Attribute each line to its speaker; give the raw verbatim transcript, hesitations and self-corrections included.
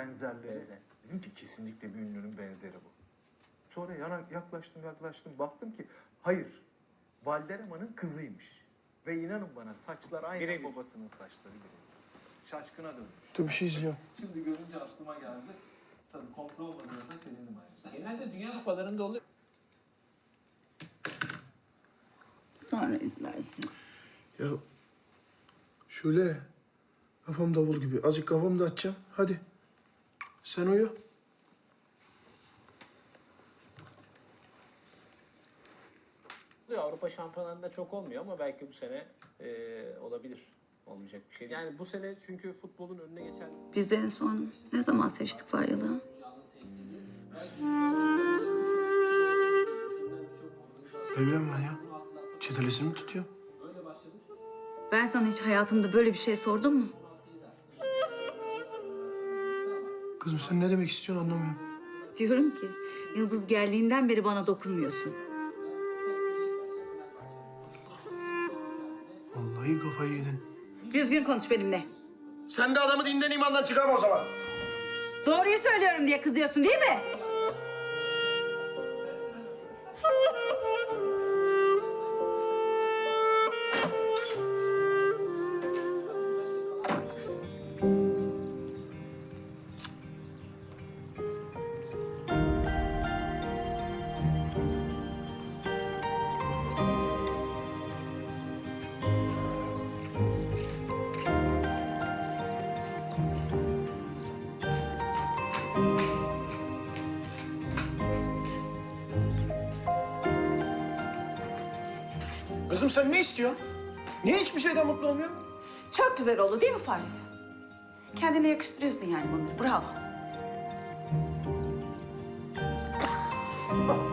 Speaker 1: benzerleri.
Speaker 2: Benzer.
Speaker 1: Dedim ki kesinlikle bir ünlünün benzeri bu. Sonra yana yaklaştım yaklaştım baktım ki hayır. Valdereman'ın kızıymış. Ve inanın bana saçlar aynı
Speaker 2: Birebir.
Speaker 1: babasının saçları gibi. Şaşkına dönmüş.
Speaker 3: Dur bir şey izliyorum.
Speaker 1: Şimdi görünce aklıma geldi. Tabii kontrol olmadığında sevindim ayrıca.
Speaker 2: Genelde dünya kupalarında oluyor.
Speaker 4: Sonra izlersin.
Speaker 3: Ya şöyle kafam davul gibi. Azıcık kafamı da açacağım. Hadi. Sen uyu.
Speaker 2: Avrupa şampiyonlarında çok olmuyor ama belki bu sene e, olabilir. Olmayacak bir şey değil.
Speaker 5: Yani bu sene çünkü futbolun önüne geçen
Speaker 4: Biz en son ne zaman seviştik Faryalı?
Speaker 3: Ne bileyim ben ya. Çetelesini mi tutuyorum?
Speaker 4: Ben sana hiç hayatımda böyle bir şey sordum mu?
Speaker 3: Kızım sen ne demek istiyorsun anlamıyorum.
Speaker 4: Diyorum ki Yıldız geldiğinden beri bana dokunmuyorsun.
Speaker 3: Vallahi kafayı yedin.
Speaker 4: Düzgün konuş benimle.
Speaker 3: Sen de adamı dinden imandan çıkarma o zaman.
Speaker 4: Doğruyu söylüyorum diye kızıyorsun değil mi?
Speaker 3: Kızım sen ne istiyorsun? Niye hiçbir şeyden mutlu olmuyorsun?
Speaker 4: Çok güzel oldu değil mi Faryalı? Kendine yakıştırıyorsun yani bunları. Bravo.